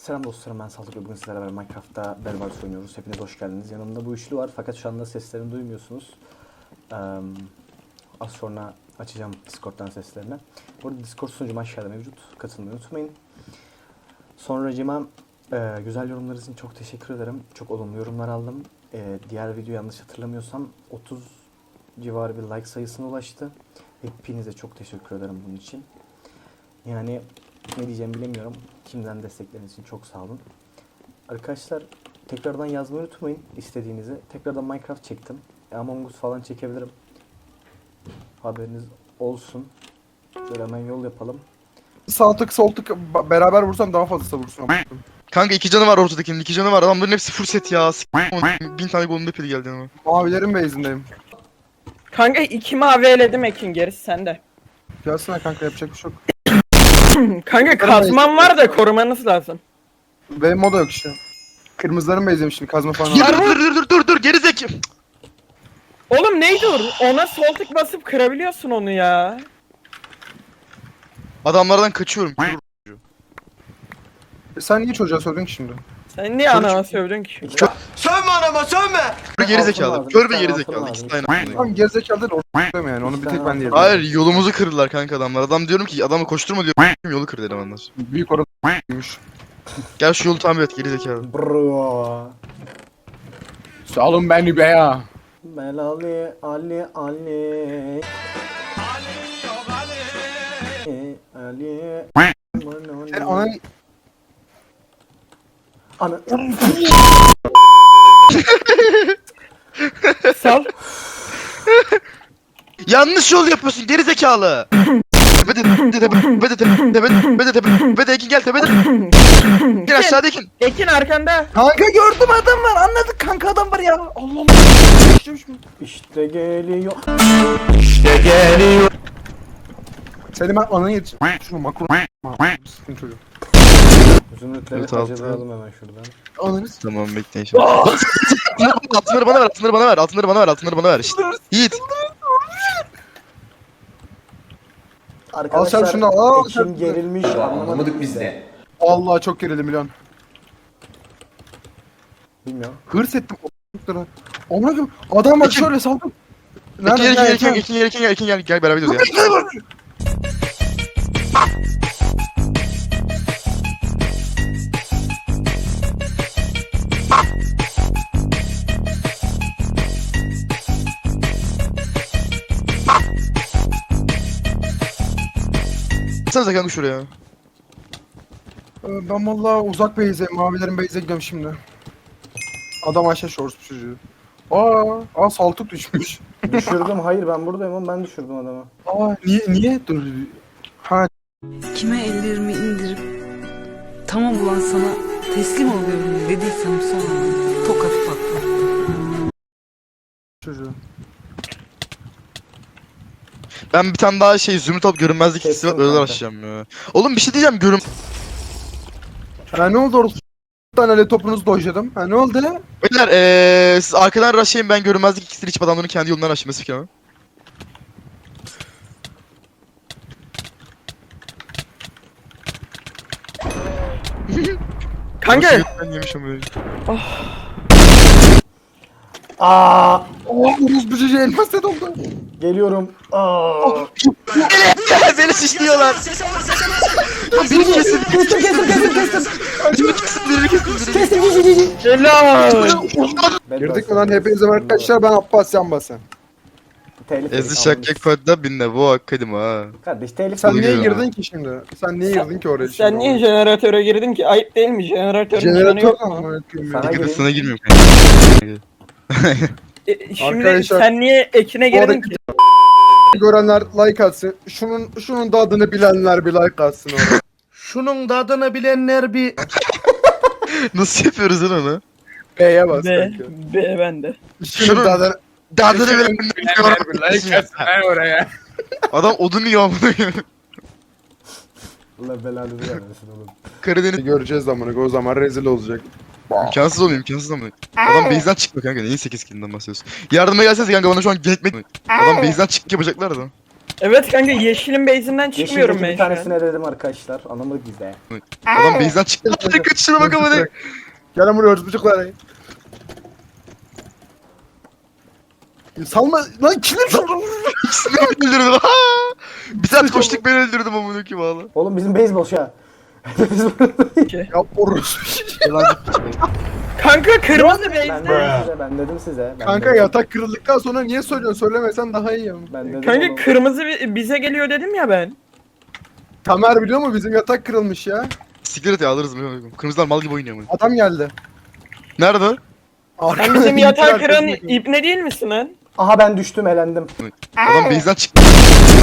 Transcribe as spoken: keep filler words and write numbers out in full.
Selam dostlarım, ben Saltuk ve bugün sizlerle beraber Minecraft'ta Bedwars oynuyoruz. Hepiniz hoş geldiniz. Yanımda bu üçlü var fakat şu anda seslerini duymuyorsunuz. Ee, az sonra açacağım Discord'dan seslerini. Bu arada Discord sunucum aşağıda mevcut. Katılmayı unutmayın. Sonracığıma e, güzel yorumlarınız için çok teşekkür ederim. Çok olumlu yorumlar aldım. E, diğer video yanlış hatırlamıyorsam otuz civarı bir like sayısına ulaştı. Hepinize çok teşekkür ederim bunun için. Yani ne diyeceğimi bilemiyorum. Kimden destekleriniz için çok sağ olun. Arkadaşlar tekrardan yazmayı unutmayın istediğinizi. Tekrardan Minecraft çektim. Among Us falan çekebilirim. Haberiniz olsun. Şöyle hemen yol yapalım. Sağ tık sol tık ba- beraber vursam daha fazla vursun. Kanka iki canı var ortadakinin, iki canı var. Adamların hepsi full set ya. S*** bin tane golden apple geldi ama. Mavilerin base'indeyim. Kanka iki mavi eledim, Ekin gerisi sende. Gelsene kanka, yapacak bir şey yok. Kanka kazmam var da korumanız lazım. Benim moda yok işte. Kırmızıların base'indeyim şimdi, kazma falan Dur var. dur dur dur dur dur gerizek. Oğlum neydi o? Ona sol tık basıp kırabiliyorsun onu ya. Adamlardan kaçıyorum. Sen niye çocuğa sordun ki şimdi? Sen niye anama sövdün ki? İki- Sövme anama sövme. Kör gerizekalı. lazım, Kör bir ve tane gerizekalı. altın İkisi lazım. de aynı. Tamam, gerizekalı değil, orada yani, onu bir tek ben diyebilirim. Hayır yolumuzu kırdılar kanka adamlar. Adam diyorum ki adamı koşturma diyor. Yolu kır dedim onlar. Büyük orası. Gel şu yolu tamir et gerizekalı. Bro. Salın beni be ya. Belali Ali Ali. Ali. Sen ona Ana. Sal. Yanlış yol yapıyorsun gerizekalı. Tepede tepede tepede tepede tepede tepede Ekin gel tepede. Gel aşağıda Ekin. Ekin arkanda. kanka gördüm, adam var, anladık kanka, adam var ya. Allah Allah. İşte geliyor. Seni ben ananı yetiş. Şunu makro. Sıkın çocuğu. Zümrütleri Evet, altı. harcayalım hemen şuradan. Ananı s**. Tamam bekleyin şimdi. Altınları bana ver, altınları bana ver, altınları bana ver, altınları bana ver. İşte. Yiğit. Arkadaşlar şunu, al Ekin sen. gerilmiş, anlamadık biz de. Allah çok gerildim milyon. Bilmiyorum. Hırs ettim. o***lara. Amına koyayım. Adam var şöyle saldım. Ekin gel, Ekin gel, Ekin gel, Ekin gel, Ekin gel, gel beraber gidiyoruz ya. Sanıza kanka şuraya. Ee, Ben valla uzak base'e, mavilerin base'e gidiyorum şimdi. Adam aşağı şorsu çocuğu. Aa, aa saltuk düşmüş. Düşürdüm, hayır ben buradayım ama ben düşürdüm adamı. Aa niye niye dur. Ha Kime ellerimi indirip tamam ulan sana teslim oluyorum dediysem sonra tokat patladı. çocuğu. Ben bir tane daha şey zümrüt alıp görünmezlik hissi var Kestim öyle kanka. açacağım ya. Oğlum bir şey diyeceğim görün... Ha ne oldu orası? Bir tane öyle topunuzu dojladım. Ha ne oldu? Beyler eee siz arkadan rushlayın ben görünmezlik iksiri içip adamların kendi yolundan rushlayması fikir ama. Kanka. Ben yemişim böyle. Aa, Aa Uruz bu çocuğu elmas set oldu. geliyorum. Aa. Beni şişliyorlar. Biri kesin. Kestim kestim kestim kestim. Biri kesin. Biri kesin. Biri Kestim cici cici. Helal. Girdik mi lan hepinize arkadaşlar, ben Abbas Yan Basan. Telif Ezi yedik, şakkak kodda binne bu hakkadim ha. kardeş telif Sen yedik. niye Buyurun. girdin ki şimdi? Sen niye girdin ki oraya şimdi? Sen niye jeneratöre girdin ki? Ayıp değil mi? Jeneratörün canı Jeneratör yok mu? amına koyayım ya. Sana Dikkat gireyim. sana girmiyorum. E, şimdi Arkadaşlar, sen niye Ekin'e girdin orada- ki? Görenler like atsın. Şunun şunun da adını bilenler bir like atsın oraya. Şunun da adını bilenler bir... Nasıl yapıyoruz lan onu? B'ye bas B, kanka. B bende. Şunun da adını Dadını bile bir like atsın oraya. Adam odun yiyor amına koyayım. Allah belanı vermesin oğlum. Karadeniz Göreceğiz amına, o zaman rezil olacak. imkansız oluyor imkansız ama. Adam base'den çıkmıyor kanka neyin sekiz killinden bahsediyorsun. Yardıma gelseniz kanka bana şu an gerekmek. Adam base'den çık yapacaklar da. Evet kanka yeşilin base'inden çıkmıyorum Yeşildeki ben bir şu an. tanesini eledim arkadaşlar. Anlamadık biz de. Adam base'den çıktı. Hadi kaç şuna bak amına. Gelin buraya çocuklar. Salma lan kilim şunu. İkisini ben öldürdüm. Ha! Bir saat koştuk ben öldürdüm amına ki valla. Oğlum bizim base boş ya. Ya orospu. Kanka kırmızı ben base'den. dedim size, ben dedim size. Ben Kanka dedim. yatak kırıldıktan sonra niye söylüyorsun? Söylemesen daha iyi ya. Ben dedim Kanka oğlum. kırmızı bi- bize geliyor dedim ya ben. Tamer biliyor mu bizim yatak kırılmış ya. Siktir et ya alırız mı? Kırmızılar mal gibi oynuyor amına. Adam geldi. Nerede o? Sen bizim yatağı kıran arkasında- ibne değil misin lan? Aha ben düştüm elendim. Adam base'den çıktı.